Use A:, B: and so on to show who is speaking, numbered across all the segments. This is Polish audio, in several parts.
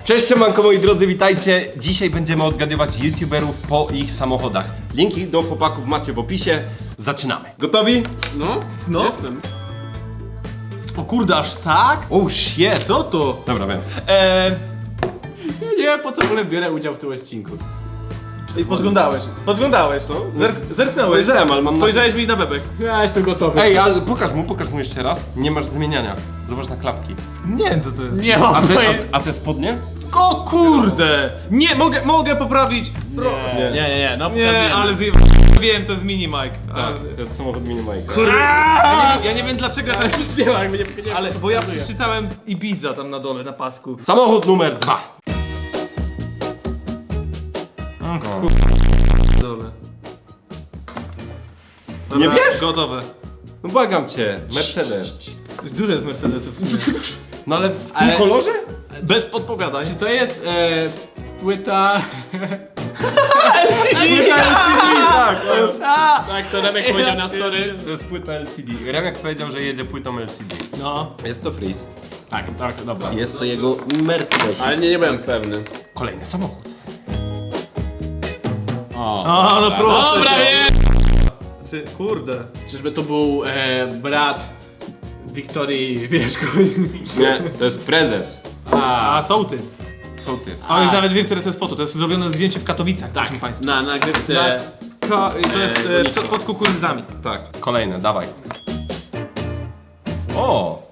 A: Cześć siemanko moi drodzy, witajcie. Dzisiaj będziemy odgadywać youtuberów po ich samochodach. Linki do chłopaków macie w opisie. Zaczynamy. Gotowi?
B: No.
C: Jestem.
B: O kurde, aż tak?
A: Oh shit.
B: Co to?
A: Dobra, wiem.
C: Nie wiem po co w ogóle biorę udział w tym odcinku.
B: I podglądałeś, no? Zerknąłeś.
A: Spojrzałem, ale mam na...
B: Spojrzałeś mi na bebek.
C: Ja jestem gotowy.
A: Ej, ale pokaż mu jeszcze raz. Nie masz zmieniania. Zobacz na klapki.
B: Nie wiem co to jest.
C: Nie mam
A: A
C: pojęcia.
A: te spodnie?
B: O kurde! Nie, mogę poprawić.
C: Nie, no
B: Nie,
C: pokazujemy.
B: ale wiem, to jest mini Mike.
A: Tak, to jest samochód mini Mike'a.
B: Kurde, ja nie wiem dlaczego ja teraz
C: Przyspiewaj, jakby nie
B: ale bo ja przeczytałem Ibiza tam na dole, na pasku.
A: Samochód numer 2.
B: Dole.
A: Nie
B: Dobra,
A: wiesz?
B: Gotowe.
A: No błagam cię, Mercedes.
B: Dużo jest Mercedesów w sumie.
A: No ale w tym
C: Ale-
A: kolorze?
B: Bez podpowiadań.
C: Czy to jest płyta...
A: Tak, to jest...
C: Tak, to Remek powiedział na story.
A: To jest płyta LCD. Remek powiedział, że jedzie płytą LCD.
C: No.
A: Jest to Freeze.
C: Tak, dobra.
A: Jest to jego Mercedes.
C: Ale nie byłem pewny.
A: Kolejny samochód.
B: O, no proszę.
C: Dobra,
B: cię.
C: wiem!
B: Kurde.
C: Czyżby to był brat Wiktorii, wiesz,
A: Nie, to jest prezes.
B: A sołtys.
A: Sołtys.
B: A już nawet wiem, które to jest foto. To jest zrobione zdjęcie w Katowicach,
C: tak,
B: proszę państwa.
C: na nagrywce.
B: To jest przed pod kukurydzami.
A: Tak. Kolejne, dawaj. O!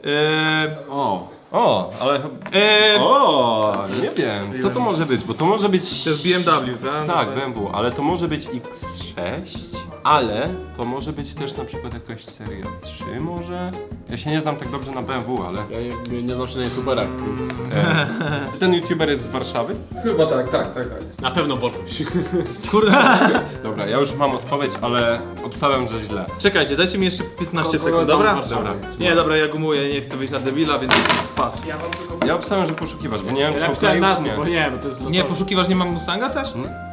C: O,
A: Ale... Nie wiem. Co to może być? Bo to może być...
B: To jest BMW, tak?
A: Tak, BMW, ale to może być X6, ale to może być też na przykład jakaś seria 3 może? Ja się nie znam tak dobrze na BMW, ale...
C: ja nie znam się na youtuberach.
A: Ten youtuber jest z Warszawy?
D: Chyba tak.
C: Na pewno Bolkuś.
B: Kurde.
A: Dobra, ja już mam odpowiedź, ale obstawiam, że źle.
B: Czekajcie, dajcie mi jeszcze 15
C: Kogo
B: sekund,
C: tam
B: dobra?
C: masz?
A: Dobra.
B: Nie, dobra, ja gumuję, nie chcę wyjść na debila, więc pas.
A: Ja obstawiam, że poszukiwasz, bo nie wiem, czy
C: Ja
A: on
C: pisałem
A: kleił, czy
C: nazwę, bo
A: nie.
C: nie, bo to jest
B: Nie, poszukiwasz, nie mam Mustanga też?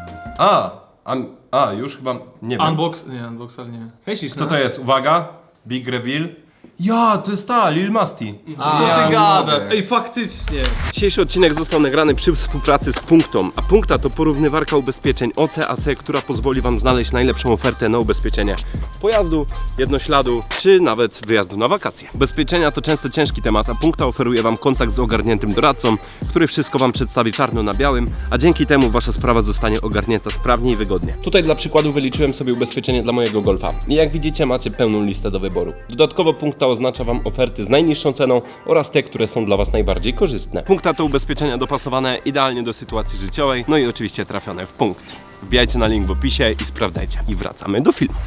A: Już chyba, nie wiem.
B: Unboxer nie. Hej, Sis,
A: Kto to jest? Uwaga, Big Reveal. Ja, to jest ta, Lil Masti.
B: Co
A: Ja
B: ty
A: nie
B: gadasz?
A: mogę.
B: Ej, faktycznie.
A: Dzisiejszy odcinek został nagrany przy współpracy z Punktą, a Punkta to porównywarka ubezpieczeń OC/AC, która pozwoli Wam znaleźć najlepszą ofertę na ubezpieczenie pojazdu, jednośladu, czy nawet wyjazdu na wakacje. Ubezpieczenia to często ciężki temat, a Punkta oferuje Wam kontakt z ogarniętym doradcą, który wszystko Wam przedstawi czarno na białym, a dzięki temu Wasza sprawa zostanie ogarnięta sprawnie i wygodnie. Tutaj dla przykładu wyliczyłem sobie ubezpieczenie dla mojego Golfa i jak widzicie macie pełną listę do wyboru. Dodatkowo Punkta oznacza Wam oferty z najniższą ceną oraz te, które są dla Was najbardziej korzystne. Punkta to ubezpieczenia dopasowane idealnie do sytuacji życiowej, no i oczywiście trafione w punkt. Wbijajcie na link w opisie i sprawdzajcie. I wracamy do filmu.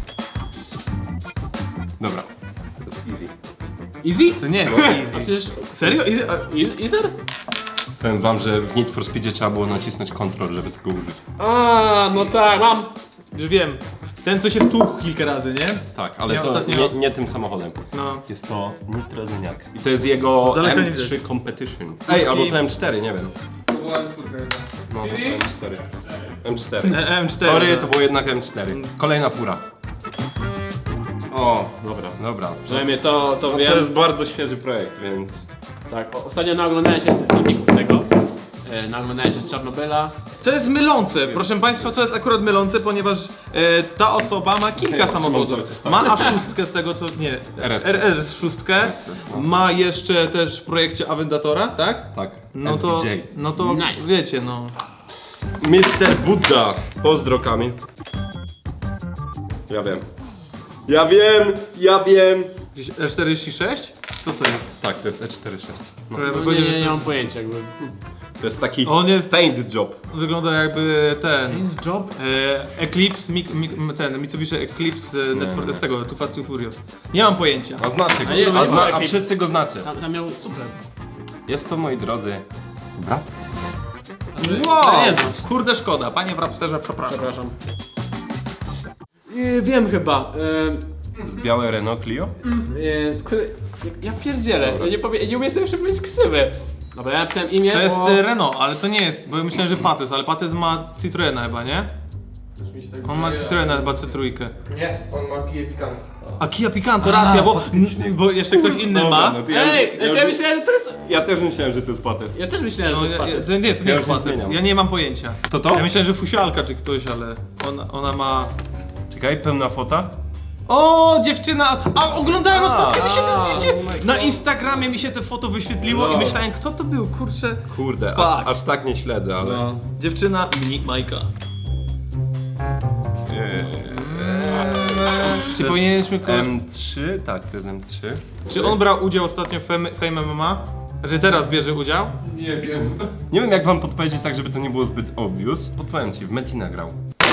A: Dobra, to jest easy.
C: Easy?
B: To nie jest
C: A
B: easy.
C: przecież...
B: Serio? Easy?
C: Easer?
A: Powiem Wam, że w Need for Speedzie trzeba było nacisnąć Ctrl, żeby tego użyć.
C: No tak, mam.
B: Już wiem. Ten, co się stłukł kilka razy, nie?
A: Tak, ale
B: Ja
A: to
B: ostatnio-
A: nie tym samochodem.
B: No.
A: Jest to Nitrozyniak. I to jest jego
B: Z daleka nie
A: M3
B: widać.
A: Competition. Ej, albo to M4, nie wiem.
D: To była czwórka jedna.
A: No, to M4. M4.
B: M4.
A: Sorry, to było jednak M4. Kolejna fura.
C: O, dobra.
A: Dobra.
C: Przynajmniej to
A: To
C: wiem.
A: jest bardzo świeży projekt, więc...
C: Tak, ostatnio naoglądałem się filmików tego. Naoglądałem się z Czarnobyla.
B: To jest mylące, proszę Państwa, to jest akurat mylące, ponieważ ta osoba ma kilka
A: Ja
B: samochodów.
A: trzymam
B: Ma A6 z tego co, nie,
A: RS.
B: RS6, ma jeszcze też w projekcie Aventatora, tak?
A: Tak,
B: No to,
A: SVJ.
B: no to
C: Nice.
B: wiecie, no.
A: Mr. Buddha. Pozdro, Kamil. Ja wiem. Ja wiem.
B: R46? Co to jest?
A: Tak, to jest E46. No.
B: Prawie
C: No,
B: powiedział, że
C: nie
B: to
C: mam pojęcia jakby.
A: To jest taki
B: On jest,
A: paint job.
B: wygląda jakby ten,
C: Job?
B: Eclipse, ten Mitsubishi Eclipse z tego, Too Fast Too Furious. Nie mam pojęcia.
A: A znacie
C: A nie,
A: go.
C: to nie
A: A
C: Eclipse.
A: wszyscy go znacie.
C: Tam miał super.
A: Jest to, moi drodzy, brat.
B: Wow,
C: Nie znam.
B: kurde szkoda, panie w Rapsterze, przepraszam.
C: Przepraszam. Wiem chyba.
A: Z białe Renault Clio?
C: Ja pierdzielę. Ja nie umiem sobie przypomnieć ksywy. Dobra, ja napisałem imię,
B: To jest
C: bo...
B: Renault, ale to nie jest, bo ja myślałem, że Patys, ale Patys ma Citroena chyba, nie? On ma Citroena chyba C3.
D: Nie, on ma Kia Picanto.
B: A Kia Picanto, racja, bo jeszcze ktoś inny
A: Dobra,
B: ma.
A: no to
C: Ej, ja myślałem, że to jest...
A: ja też myślałem, że to jest patet.
C: Ja też myślałem,
B: No,
C: że to jest patent.
B: nie, to nie
A: Ja
B: jest
A: już nie
B: facet.
A: zmieniam.
B: Ja nie mam pojęcia.
A: To?
B: Ja myślałem, że fusialka czy ktoś, ale ona ma...
A: Czekaj, pełna fota?
B: O, dziewczyna! A oglądałem ostatnio, mi się to
A: oh
B: zdjęcie!
A: my God.
B: Na Instagramie mi się to foto wyświetliło i myślałem, kto to był, kurczę.
A: Kurde,
B: Fuck.
A: aż tak nie śledzę, ale...
B: No. Dziewczyna i Majka. Czy
A: To
B: powinieneśmy
A: jest
B: kogoś...
A: M3? Tak, to jest M3.
B: Czy on brał udział ostatnio w Fame MMA? Że teraz bierze udział?
D: Nie wiem.
A: Nie wiem jak wam podpowiedzieć tak, żeby to nie było zbyt obvious. Podpowiem ci, w Metina grał.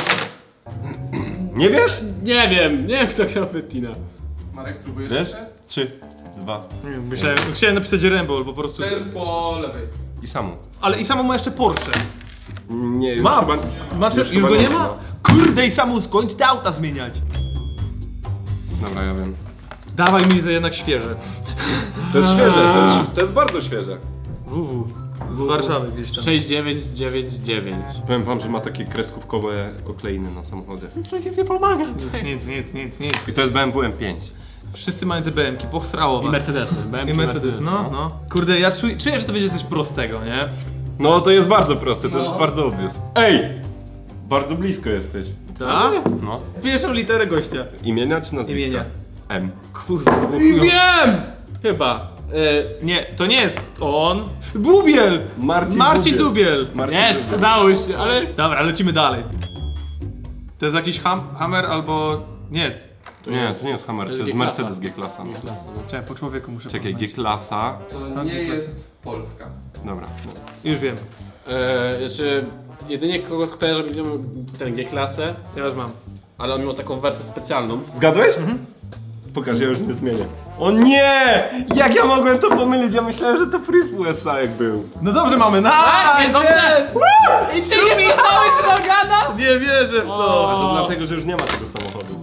A: Nie wiesz?
C: Nie wiem kto grał Bettina.
D: Marek, próbujesz
A: Wiesz?
D: jeszcze?
A: 3, 2
B: Chciałem napisać Rambo, bo po prostu...
D: Ten po lewej.
A: i samo.
B: Ale i samo ma jeszcze Porsche.
A: Nie, już
B: Ma!
A: chyba...
B: Masz, już
A: chyba
B: go nie ma?
A: no.
B: Kurde i samo skończ te auta zmieniać.
A: Dobra, ja wiem.
B: Dawaj mi to jednak świeże.
A: To jest świeże, to jest bardzo świeże.
B: WW. Z Warszawy gdzieś tam.
C: 6999.
A: Powiem wam, że ma takie kreskówkowe okleiny na samochodzie.
C: To nic nie pomaga.
B: Nic.
A: I to jest BMW M5.
B: Wszyscy mają te BM-ki, pochsrało
C: I
B: was.
C: Mercedesy.
B: I Mercedes, no. Kurde, ja czuję, że to będzie coś prostego, nie?
A: No to jest bardzo proste, to jest
D: No.
A: bardzo obvious. Ej! Bardzo blisko jesteś.
B: Tak?
A: No.
B: Pierwszą literę gościa.
A: Imienia czy nazwiska?
B: Imienia.
A: M.
B: Kurde, to było
C: I
B: chujowe.
C: wiem! Chyba.
B: Nie, to nie jest on. Bubiel! Marcin Dubiel.
C: Jest, udało się, ale...
B: Dobra, lecimy dalej. To jest jakiś Hammer albo... Nie.
A: Nie, to nie jest Hammer, to jest
C: G-klasa.
A: Mercedes G-klasa. No.
B: Czekaj, po człowieku muszę
A: Czekaj,
B: poznać.
A: G-klasa.
D: To nie jest Polska.
A: Dobra.
B: Już wiem.
C: Znaczy, jedynie kogo kojarzę będzie miał ten G-klasę,
B: Ja już mam.
C: ale on miał taką wersję specjalną.
A: Zgadłeś? Pokaż, ja już nie zmienię. O nie! Jak ja mogłem to pomylić? Ja myślałem, że to Freeze USA jak był.
B: No dobrze mamy,
C: jest dobrze! I ty nie Michałeś Rogana!
B: Nie wierzę w to!
A: A to dlatego, że już nie ma tego samochodu.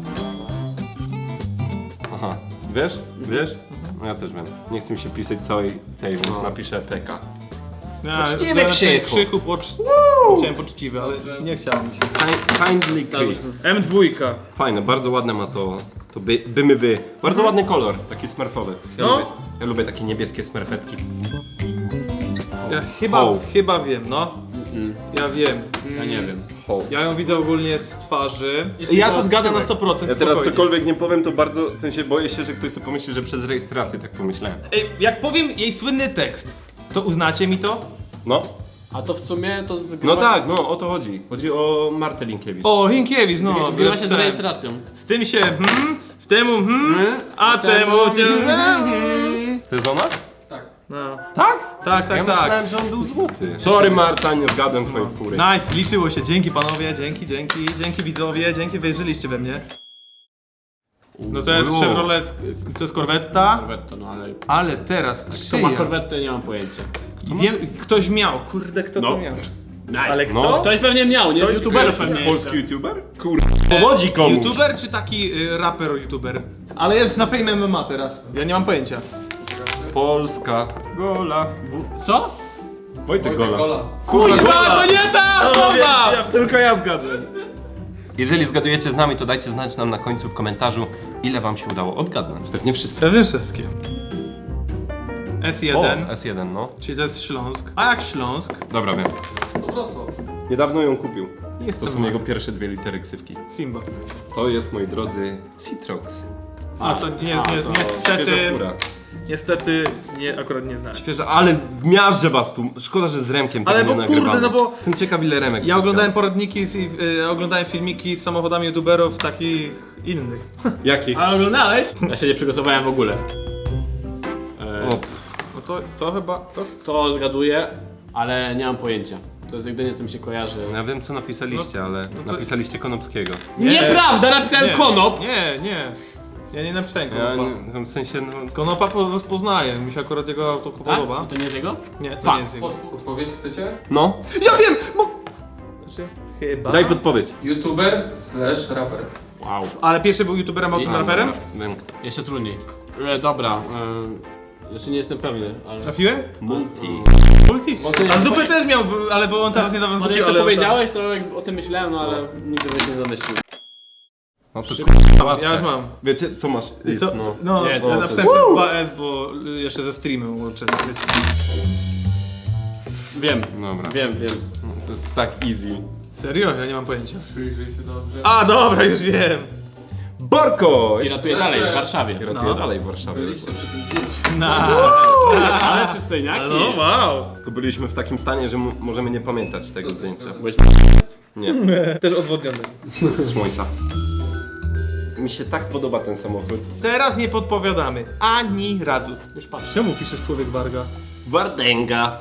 A: Aha. Wiesz? Wiesz? No ja też wiem. Nie chcę mi się pisać całej tej, więc napiszę PK. Poczciwy Krzychu.
B: Chciałem poczciwy, ale nie chciałem mi się.
A: Kindly Chris.
B: M2.
A: Fajne, bardzo ładne ma to. To bymy wy. Bardzo ładny kolor, taki smurfowy.
B: No.
A: Ja lubię takie niebieskie smurfetki.
B: Ja
A: Ho.
B: chyba wiem, no. Ja wiem.
C: Ja nie wiem.
A: Ho.
B: Ja ją widzę ogólnie z twarzy. Ja to zgadzam na 100%.
A: Ja teraz
B: spokojnie.
A: cokolwiek nie powiem, to bardzo, w sensie boję się, że ktoś sobie pomyśli, że przez rejestrację tak pomyślałem.
B: Ej, jak powiem jej słynny tekst, to uznacie mi to?
A: No.
C: A to w sumie to
A: No
C: wygrywa
A: tak, no o to chodzi. Chodzi o Martę Linkiewicz.
B: O, Hinkiewicz, no.
C: wygrywa się z
B: wracałem.
C: rejestracją.
B: Z tym się z temu a temu
A: To jest ona?
D: Tak.
B: No.
A: Tak?
B: Tak,
A: Ja
B: tak.
A: myślałem, że on był złoty. Sorry Marta, nie zgadłem twojej fury.
B: Nice, liczyło się. Dzięki panowie, dzięki widzowie, dzięki, wierzyliście we mnie. No to jest
A: Ulu.
B: Chevrolet, to jest Corvetta,
C: Corvette, no ale...
B: ale teraz
C: Kto ma Corvette, nie mam pojęcia.
B: Wiem, ktoś miał, kurde, kto
A: No.
B: to miał?
C: Nice.
B: Ale
A: No.
B: kto?
C: Ktoś pewnie miał, nie? Z youtuberów
A: To jest
C: pewnie
A: polski
C: jeszcze.
A: youtuber? Kurde, powodzi komuś.
B: YouTuber czy taki raper youtuber? Ale jest na Fame MMA teraz, ja nie mam pojęcia.
A: Polska Gola.
C: Co?
A: Wojtek Gola.
D: Gola.
C: Kurwa, to nie ta osoba!
A: Tylko ja zgadłem. Jeżeli zgadujecie z nami, to dajcie znać nam na końcu w komentarzu, ile wam się udało odgadnąć. Pewnie wszyscy.
B: Pewnie wszystkie. S1,
A: O, S1, no.
B: czyli to jest Śląsk. A jak Śląsk?
A: Dobra, wiem.
D: To Wrocław.
A: Niedawno ją kupił.
B: Jest
A: To są jego pierwsze dwie litery ksywki.
B: Simba.
A: To jest, moi drodzy, Citrox.
B: A to
A: Świeża
B: niestety,
A: fura.
B: niestety akurat nie znałem.
A: Świeża, ale miażdżę was tu. Szkoda, że z Remkiem
B: Ale
A: tego
B: bo
A: nie
B: kurde,
A: nagrywamy.
B: no bo
A: Jestem ciekaw, ile Remek
B: ja oglądałem
A: zgadł.
B: poradniki, oglądałem filmiki z samochodami youtuberów takich innych.
A: Jakich?
C: Ale oglądałeś? Ja się nie przygotowałem w ogóle.
A: O,
B: No to chyba,
C: To zgaduję, ale nie mam pojęcia. To jest jedynie, co mi się kojarzy.
A: ja wiem, co napisaliście, ale
B: to-
A: napisaliście Konopskiego.
C: Nieprawda, napisałem konop!
B: Nie. Ja nie napisałem
A: Ja
B: Konopa.
A: nie, w sensie, no...
B: Konopa rozpoznaje, mi się akurat jego auto
C: Tak?
B: podoba.
C: To nie jest jego?
B: Nie, to
C: Fuck.
B: nie jest jego.
D: Odpowiedź chcecie?
A: No,
B: Ja wiem! Znaczy, chyba.
A: daj podpowiedź.
D: YouTuber / raper.
C: Wow.
B: Ale pierwszy był youtuberem, a potem raperem?
A: Wiem, kto.
C: Jeszcze trudniej. Dobra, jeszcze nie jestem pewny, ale...
B: Trafiłem?
A: Multi.
B: Multi?
C: Bo to nie
B: A z
C: jest
B: dupy
C: moje-
B: też miał, ale bo on teraz niedawno
C: No
B: kupił,
C: jak to
B: ale...
C: powiedziałeś, to jak o tym myślałem, no ale nigdy bym się nie zamyślił.
A: No to
B: Ja już mam.
A: Wiecie, co masz? Jest,
B: Co?
A: no.
B: No,
C: Nie,
B: ja
C: to-
B: napisałem
A: to-
B: przez 2S, bo jeszcze ze streamem łączę. Wiecie.
C: Wiem,
A: Dobra.
C: wiem.
A: To jest tak easy.
B: Serio? Ja nie mam pojęcia.
D: Przyjrzyj się dobrze.
B: A, dobra, już wiem.
A: Borko!
C: I ratuje dalej w Warszawie.
A: I ratuje
B: No.
A: dalej w Warszawie.
D: Byliście przy tym zdjęciu.
C: Ale przystojniaki.
B: No, wow.
A: Tylko byliśmy w takim stanie, że możemy nie pamiętać tego zdjęcia.
C: Byłeś...
A: Nie,
B: Też odwodniony.
A: z słońca. Mi się tak podoba ten samochód.
B: Teraz nie podpowiadamy. Ani razu.
C: Już patrz.
B: Czemu piszesz człowiek Warga?
A: Wardęga.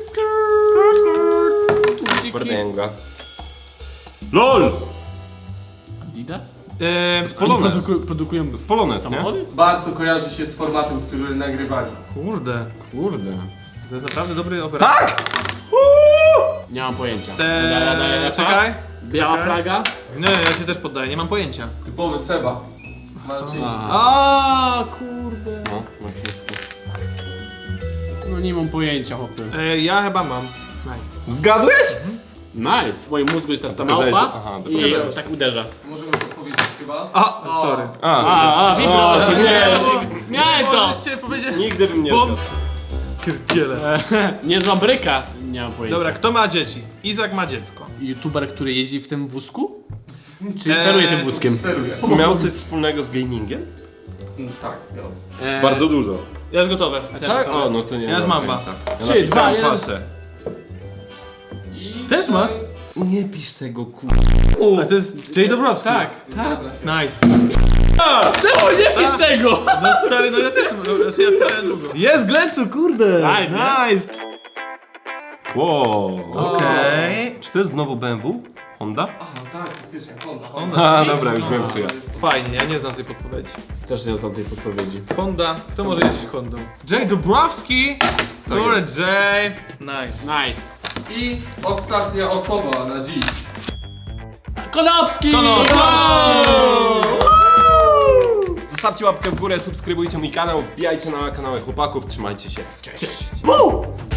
A: Wardęga. LOL!
C: Adidas?
B: Z
A: Polones.
C: Produkują
A: Z Polones, nie?
C: samochody?
D: Bardzo kojarzy się z formatem, który nagrywali.
B: Kurde.
C: Kurde.
B: To jest naprawdę dobry operator.
A: Tak!
C: Nie mam pojęcia.
B: Czekaj.
C: Biała
B: Czekaj.
C: flaga?
B: Nie, ja się też poddaję, nie mam pojęcia.
D: Typowy Seba. Malczyński.
B: A, kurde.
A: No, oczywiście.
C: No nie mam pojęcia, chłopie.
B: Ja chyba mam. Nice.
A: Zgadłeś?
C: Nice. W moim mózgu jest ta
A: Pokazałeś
C: małpa
A: to? Aha, to
C: i
A: pokazałeś.
C: tak uderza.
D: Możemy podpowiedzieć chyba?
B: A, sorry.
C: Vibro!
A: nie.
C: Miałem to!
B: Możecie powiedzieć?
A: Nigdy bym nie
B: Bom.
A: zgadł.
B: Pierdziele.
C: Niezła bryka. Nie mam pojęcia.
B: Dobra, kto ma dzieci? Izak ma dziecko.
C: YouTuber, który jeździ w tym wózku? Czy steruje tym wózkiem?
D: Steruję.
A: Miał coś wspólnego z gamingiem?
D: Tak, miał.
A: Bardzo dużo.
B: Ja już gotowe.
A: Tak? O, no to nie.
B: Ja już mam
A: pojęcia. Ja
C: 3,
A: napisałem
C: 2, 1.
A: faszę.
D: I
B: Też masz?
A: Nie pisz tego
B: A to jest Jay Dobrowski.
C: Tak.
D: Zgadza się.
B: Nice.
C: Czemu nie pisz tego?
B: No stary, no ja też mam. Znaczy ja pisałem długo. Jest Glencu, kurde.
C: Nice,
B: Nice.
A: Wow.
B: Okej.
A: Czy to jest znowu BMW? Honda?
D: Aha, tak, faktycznie, Honda.
B: Honda.
A: A, dobra, już wiem co ja.
B: Fajnie, ja nie znam tej podpowiedzi.
C: Też nie znam tej podpowiedzi.
B: Honda. Kto może jeździć Hondą? Jay Dobrowski. Kurde, Jay. Nice.
C: Nice.
D: I ostatnia osoba na dziś.
C: Konopski!
A: Zostawcie łapkę w górę, subskrybujcie mój kanał, wbijajcie na kanały chłopaków, trzymajcie się.
C: Cześć.